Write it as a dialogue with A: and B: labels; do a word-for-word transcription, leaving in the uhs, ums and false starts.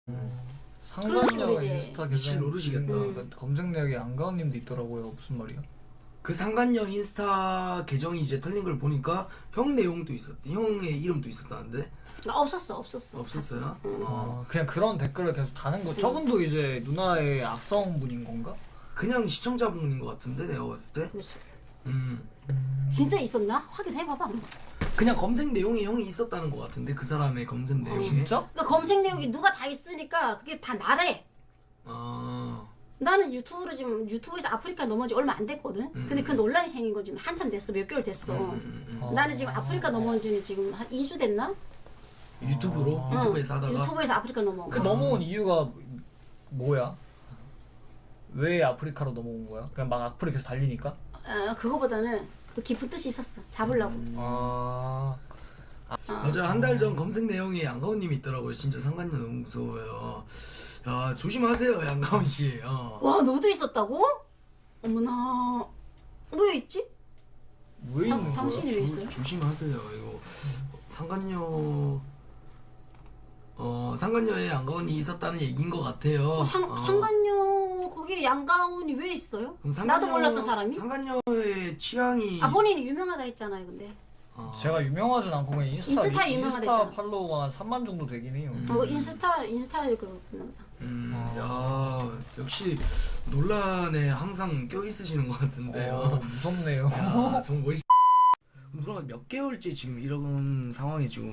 A: 상관녀
B: 식으로 이제
A: 인스타
C: 미칠
A: 계정
C: 노릇이겠다.
A: 음. 검색 내역에 안가은님도 있더라고요. 무슨 말이야?
C: 그 상간녀 인스타 계정이 이제 털린 걸 보니까 형 내용도 있었대. 형의 이름도 있었다는데
B: 나 없었어 없었어.
C: 없었어요?
B: 응.
C: 어.
A: 아, 그냥 그런 댓글을 계속 다는 거. 저분도 이제 누나의 악성분인 건가?
C: 그냥 시청자분인 것 같은데 내가 봤을 때.
B: 그래서
C: 음.
B: 진짜 있었나? 확인해봐봐.
C: 그냥 검색 내용에 형이 있었다는 것 같은데 그 사람의 검색 내용에.
A: 진짜?
B: 그러니까 검색 내용이 누가 다 있으니까 그게 다 나래.
C: 아.
B: 나는 유튜브로 지금 유튜브에서 아프리카 넘어온 지 얼마 안 됐거든.
C: 음.
B: 근데 그 논란이 생긴 거 지금 한참 됐어. 몇 개월 됐어.
C: 음, 음, 음.
A: 어.
B: 나는 지금 아프리카 넘어온 지는 지금 한 이 주 됐나?
C: 유튜브로
A: 아.
C: 유튜브에서
B: 응.
C: 하다가
B: 유튜브에서 아프리카 넘어온
A: 그
B: 거.
A: 넘어온 이유가 뭐야? 왜 아프리카로 넘어온 거야? 그냥 막 악플이 계속 달리니까?
B: 어, 그거보다는 그 깊은 뜻이 있었어. 잡으려고.
A: 아,
C: 맞아 한 달 전 검색 내용에 양가훈님이 있더라고요. 진짜 상관녀 너무 무서워요. 야 조심하세요 양가훈 씨. 어.
B: 와 너도 있었다고? 어머나. 왜 있지?
A: 왜
B: 당-
A: 있는 거야?
B: 당신이 왜 있어요?
C: 조심하세요. 이거 상관녀 어 상관녀에 양가훈이 있었다는 얘기인 것 같아요.
B: 상,
C: 어.
B: 상관녀 거기에 양가운이 왜 있어요?
C: 그럼 상관녀-
B: 나도 몰랐던 사람이?
C: 상관녀의 취향이
B: 아 본인이 유명하다 했잖아요 근데.
C: 어.
A: 제가 유명하진 않고 그냥 인스타,
B: 인스타에
A: 위-
B: 유명하다
A: 인스타
B: 했잖아.
A: 팔로워가 한 삼만 정도 되긴 해요.
C: 음.
B: 어 인스타 인스타에 그렇구나.
C: 음,
A: 아.
C: 야 역시 논란에 항상 껴 있으시는 것 같은데요.
A: 어, 무섭네요.
C: 야, 정 멋있. 누나가 몇 개월째 지금 이런 상황에 지금